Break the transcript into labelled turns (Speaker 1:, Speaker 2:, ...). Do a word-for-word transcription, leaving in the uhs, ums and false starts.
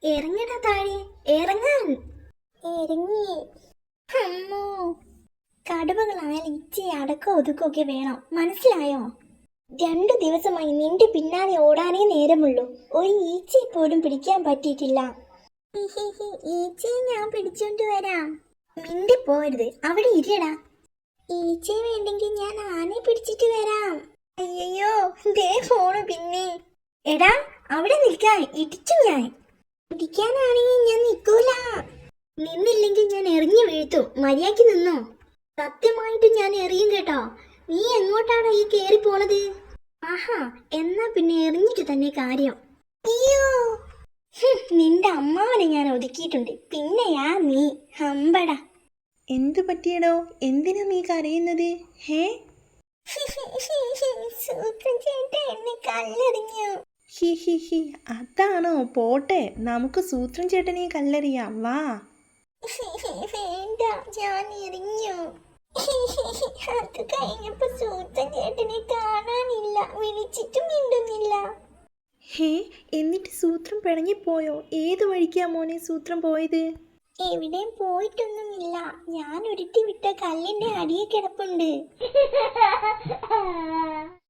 Speaker 1: ഇറങ്ങടാ താഴെ, ഇറങ്ങാൻ. ഇറങ്ങി. അമ്മോ, കടുവകളായാലും ഇച്ചിരി അടക്കോ ഒതുക്കൊക്കെ വേണം, മനസ്സിലായോ? രണ്ടു ദിവസമായി നിന്റെ പിന്നാലെ ഓടാനേ നേരമുള്ളൂ. ഒരു ഈച്ചയെ പോലും പിടിക്കാൻ പറ്റിയിട്ടില്ല. ഈച്ചയെ ഞാൻ പിടിച്ചോണ്ട് വരാം. മിണ്ടി പോരുത്, അവിടെ ഇരടാ. ഈച്ചയെ വേണ്ടെങ്കിൽ ഞാൻ ആനയെ പിടിച്ചിട്ട് വരാം. അയ്യോ, ദേ ഫോണ് പിന്നെ. എടാ, അവിടെ നിൽക്കാൻ, ഇടിച്ചു ഞാൻ. ഇടിക്കാനാണെങ്കിൽ ഞാൻ നിൽക്കൂല. നിന്നില്ലെങ്കിൽ ഞാൻ എറിഞ്ഞു വീഴ്ത്തും. മര്യാദയ്ക്ക് നിന്നോ. സത്യമായിട്ട് ഞാൻ എറിയും കേട്ടോ. നീ എങ്ങോട്ടാണ് ഈ കേറി പോണത്? ആഹാ, എന്നാ പിന്നെ എറിഞ്ഞിട്ട് തന്നെ കാര്യം. അയ്യോ, നിന്റെ അമ്മാവനെ ഞാൻ ഒതുക്കിയിട്ടുണ്ട്, പിന്നെയാ നീ. ഹമ്പടാ.
Speaker 2: എന്തു പറ്റിയടോ? എന്തിനാ നീ കരയുന്നത്? ഹേ,
Speaker 1: എന്നെ കല്ലെറിഞ്ഞു.
Speaker 2: ഹി ഹി ഹി, അതാണോ? പോട്ടെ, നമുക്ക് സൂത്രൻ ചേട്ടനെ കല്ലെറിയാം, വാ.
Speaker 1: വേണ്ട, ഞാൻ എറിഞ്ഞു. അത് കഴിഞ്ഞപ്പോ സൂത്രൻ ചേട്ടനെ കാണാനില്ല, വിളിച്ചിട്ടും മിണ്ടുന്നില്ല.
Speaker 2: ഹേ, എന്നിട്ട് സൂത്രം പിണങ്ങിപ്പോയോ? ഏത് വഴിക്കാ മോനെ സൂത്രം പോയത്?
Speaker 1: എവിടെയും പോയിട്ടൊന്നുമില്ല. ഞാൻ ഉരുട്ടി വിട്ട കല്ലിന്റെ അടിയെ കിടപ്പുണ്ട്.